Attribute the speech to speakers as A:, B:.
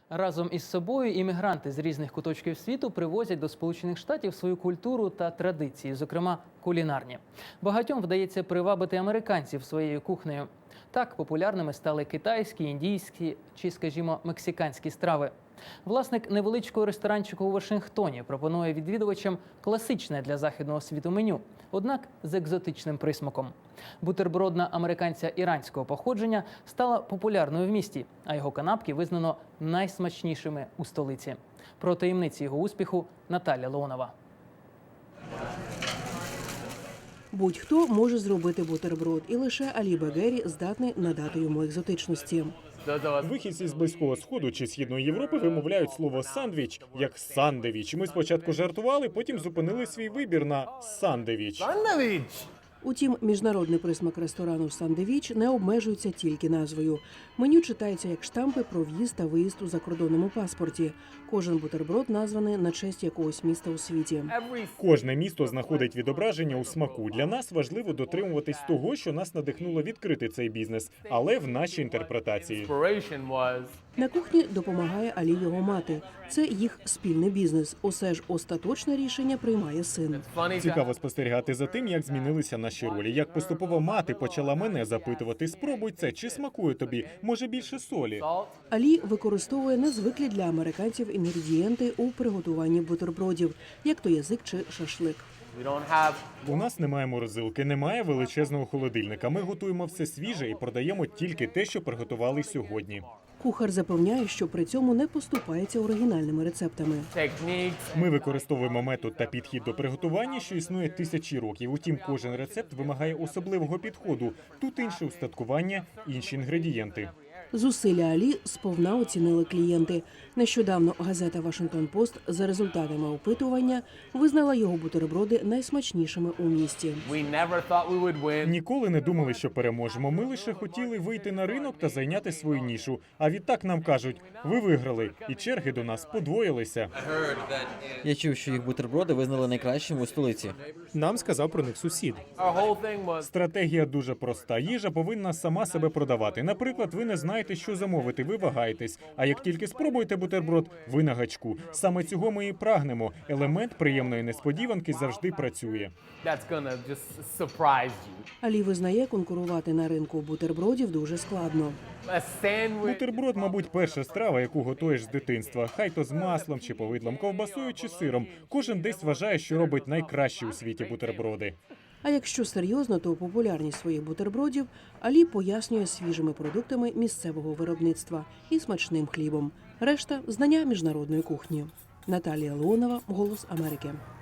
A: Разом із собою іммігранти з різних куточків світу привозять до Сполучених Штатів свою культуру та традиції, зокрема кулінарні. Багатьом вдається привабити американців своєю кухнею. Так популярними стали китайські, індійські чи, скажімо, мексиканські страви. Власник невеличкого ресторанчику у Вашингтоні пропонує відвідувачам класичне для західного світу меню, однак з екзотичним присмаком. Бутербродна американця іранського походження стала популярною в місті, а його канапки визнано найсмачнішими у столиці. Про таємниці його успіху Наталя Леонова.
B: Будь-хто може зробити бутерброд, і лише Алі Багері здатний надати йому екзотичності.
C: Вихідці з Близького Сходу чи Східної Європи вимовляють слово «сандвіч» як «сандевіч». Ми спочатку жартували, потім зупинили свій вибір на «сандевіч».
B: Утім, міжнародний присмак ресторану «Сандевіч» не обмежується тільки назвою. Меню читається як штампи про в'їзд та виїзд у закордонному паспорті. Кожен бутерброд названий на честь якогось міста у світі.
C: Кожне місто знаходить відображення у смаку. Для нас важливо дотримуватись того, що нас надихнуло відкрити цей бізнес, але в нашій інтерпретації.
B: На кухні допомагає Алі його мати. Це їх спільний бізнес. Усе ж остаточне рішення приймає син.
C: Цікаво спостерігати за тим, як змінилися наші ролі. Як поступово мати почала мене запитувати: «Спробуй це, чи смакує тобі? Може більше солі?»
B: Алі використовує незвиклі для американців інгредієнти у приготуванні бутербродів, як то язик чи шашлик.
C: У нас немає морозилки, немає величезного холодильника. Ми готуємо все свіже і продаємо тільки те, що приготували сьогодні.
B: Кухар запевняє, що при цьому не поступається оригінальними рецептами.
C: Ми використовуємо метод та підхід до приготування, що існує тисячі років. Утім, кожен рецепт вимагає особливого підходу. Тут інше устаткування, інші інгредієнти.
B: Зусилля Алі сповна оцінили клієнти. Нещодавно газета «Вашингтон-Пост» за результатами опитування визнала його бутерброди найсмачнішими у місті.
C: Ніколи не думали, що переможемо. Ми лише хотіли вийти на ринок та зайняти свою нішу. А відтак нам кажуть: ви виграли, і черги до нас подвоїлися.
D: Я чув, що їх бутерброди визнали найкращими у столиці.
C: Нам сказав про них сусід. Стратегія дуже проста. Їжа повинна сама себе продавати. Наприклад, ви не знаєте, що замовити, ви вагаєтесь. А як тільки спробуєте бутерброд, ви на гачку. Саме цього ми і прагнемо. Елемент приємної несподіванки завжди працює.
B: Алі визнає, конкурувати на ринку бутербродів дуже складно.
C: Бутерброд, мабуть, перша страва, яку готуєш з дитинства. Хай то з маслом, чи повидлом, ковбасою, чи сиром. Кожен десь вважає, що робить найкращі у світі бутерброди.
B: А якщо серйозно, то популярність своїх бутербродів Алі пояснює свіжими продуктами місцевого виробництва і смачним хлібом. Решта – знання міжнародної кухні. Наталія Леонова, «Голос Америки».